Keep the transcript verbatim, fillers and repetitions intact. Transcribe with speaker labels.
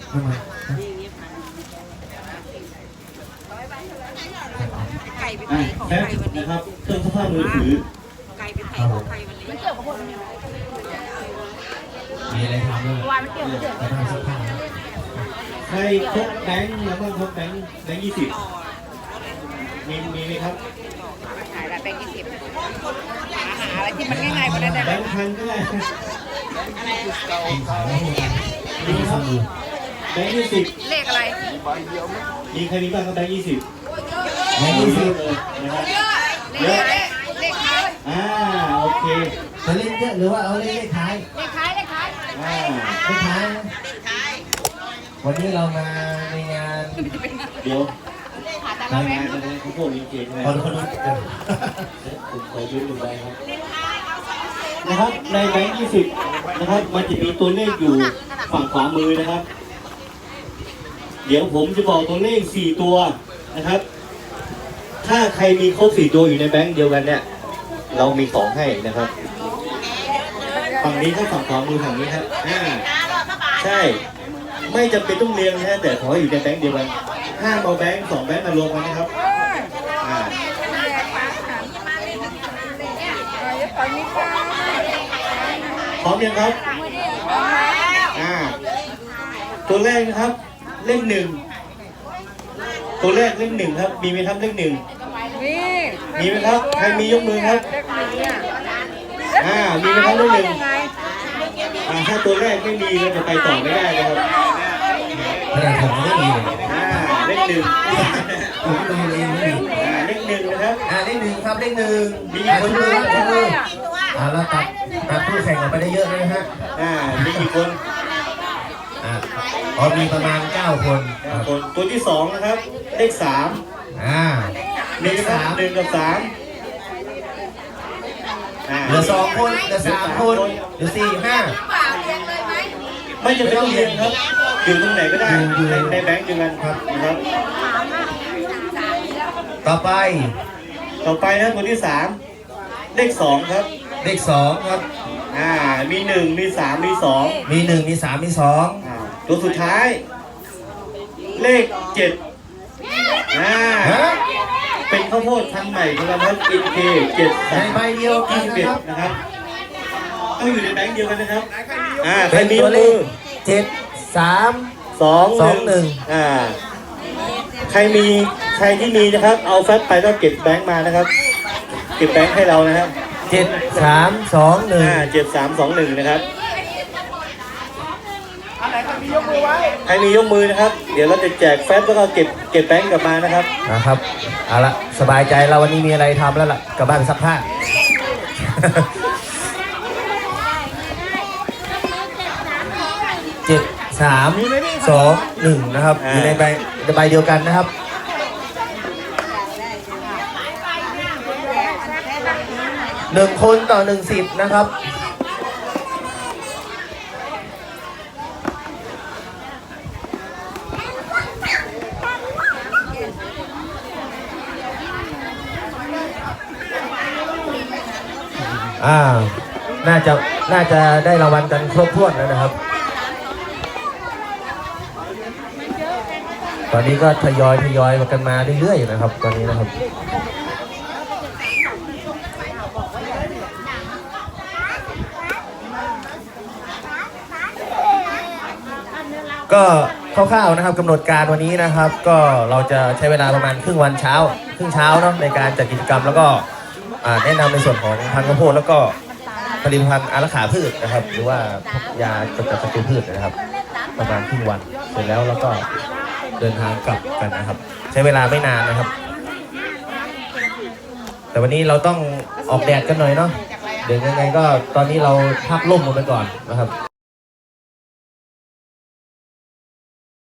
Speaker 1: ไก่ไปไทยของไทยวันนี้
Speaker 2: นะครับเครื่องซักผ้ามือถือ
Speaker 1: ไก่ไปไทยของไทยวันนี้มันเกี่ยวกับคน
Speaker 3: มีอะไรทำด้วยวายมันเกี่ยวกับเกี่ยวกับสักผ้า
Speaker 2: ใครพกแบงค์แล้วก็พกแบงค์แบงค์ยี่สิบมีมีไหมครับ
Speaker 1: ขายอะไรแบงค์ยี่สิบหาอะไรที่มันง่ายๆกว่านั้นได้ไหม
Speaker 2: แบงค์พันก็ได้
Speaker 1: อะไร
Speaker 2: มีครับแบงค์ยี่สิบ
Speaker 1: เลขอะไร
Speaker 2: มีใครมีบ้างครับแบงค์ยี่สิบ
Speaker 3: แบงค์ยี่สิบ
Speaker 2: เลยนะครับ
Speaker 1: เลขเลขท้าย
Speaker 2: อ่าโอเค
Speaker 3: จะเล่นเยอะหรือว่าเอาเล่นเลขท้าย
Speaker 1: เลขท้ายเลขท้าย
Speaker 2: อ่า
Speaker 3: เลขท้ายวันนี้เรามาในงาน
Speaker 2: เดี๋ยวทำงานอะไรเขาพูดจริงๆเลย
Speaker 3: ขอดูขอดู
Speaker 2: ผมขอยืมดูไปครับนะครับในแบงค์ยี่สิบนะครับมันจะมีตัวเลขอยู่ฝั่งขวามือนะครับเดี๋ยวผมจะบอกตัวเลขสี่ตัวนะครับถ้าใครมีครบสี่ตัวอยู่ในแบงค์เดียวกันเนี่ยเรามีของให้นะครับฝั่งนี้ก็ฝั่งขวามือฝั่งนี้ครับอ่าใช่ไม่จำเป็นต้องเรียงนะแต่ขอให้อยู่ในแบงค์เดียวกันห้ามเอาแบงค์สองแบงค์มารวมกันนะครับอ่าพร้อมยังครับอ่าตัวแรกนะครับเลขหนึ่งตัวแรกเลขหนึ่งครับมีไหมครับเลขหนึ่งมีไหมครับใครมียกมือครับอ่ามีไหมครับเลขหนึ่งอ่าถ้าตัวแรกไม่มีเราจะไปต่อไม่ได้นะครับ
Speaker 3: ขนาดผมไม่มีเลย
Speaker 2: อ่าเลขหนึ่ง
Speaker 3: ผมตัวเองไม่มี
Speaker 2: อ่าเลขหนึ่งนะครับ
Speaker 3: อ่าเลขหนึ่งครับเลขหนึ่งมีคนมือคนมืออ่าแล้วตัดตัดผู้แข่งออกไปได้เยอะเลยฮะ
Speaker 2: อ่ามีกี่คน
Speaker 3: อ่าอ๋อมีประมาณเก้าคน
Speaker 2: คนตัวที่สองนะครับเลขสาม
Speaker 3: อ่า
Speaker 2: เลขสามหนึ่งกับสาม
Speaker 3: เหลือสองคนเหลือสามคนเหลือสี่ห้า
Speaker 2: ไม่จำเป็นต้องเรียนครับอยู่ตรงไหนก็ได้ในในแบงค์เดียวกันครับนะครับ
Speaker 3: ต่อไป
Speaker 2: ต่อไปนะตัวที่สามเลขสองครับ
Speaker 3: เลขสองครับ
Speaker 2: อ่ามีหนึ่งมีสามมีสอง
Speaker 3: มีหนึ่งมีสามมีสอง
Speaker 2: ตัวสุดท้ายเลขเจ็ดอ่าเป็นข้าวโพดพันธุ์ใหม่ของเราครับอินเคเจ็ด
Speaker 3: ในใบเดียวกัน
Speaker 2: นะครับต้องอยู่ในแบงค์เดียวกันนะครับอ่าใครมี
Speaker 3: ตัวเลขเจ็ดสาม
Speaker 2: สอง
Speaker 3: สองหนึ่ง
Speaker 2: อ่าใครมีใครที่มีนะครับเอาแฟตไปต้องเก็บแบงค์มานะครับเก็บแบงค์ให้เรานะครับ
Speaker 3: เจ็ดสามสองหนึ่ง
Speaker 2: อ่าเจ็ดสามสองหนึ่งนะครับใครมียกมือไว้ใครมียกมือนะครับเดี๋ยวเราจะแจกแฟตแล้วก็เก็บเก็บแบงค์กลับมานะครับ
Speaker 3: นะครับเอาละสบายใจเราวันนี้มีอะไรทำแล้วล่ะกลับบ้านไปซักผ้าเจ็ดสามสองหนึ่งนะครับอยู่ในใบใบเดียวกันนะครับหนึ่งคนต่อหนึ่งสิบนะครับอ่าน่าจะน่าจะได้รางวัลกันครบถ้วนแล้วนะครับตอนนี้ก็ทยอยทยอยกันมาเรื่อยๆนะครับตอนนี้นะครับก็คร่าวๆนะครับกำหนดการวันนี้นะครับ ก็เราจะใช้เวลาประมาณครึ่งวันเช้าครึ่งเช้าเนาะในการจัดกิจกรรมแล้วก็แนะนำในส่วนของพันธุ์ข้าวโพดแล้วก็ผลิตภัณฑ์อารักขาพืชนะครับหรือว่ายากำจัดศัตรูพืชนะครับประมาณครึ่งวันเสร็จแล้วแล้วก็เดินทางกลับกันนะครับใช้เวลาไม่นานนะครับแต่วันนี้เราต้องออกแดดกันหน่อยเนาะเดี๋ยวยังไงก็ตอนนี้เราพักร่มลงไปก่อนนะครับ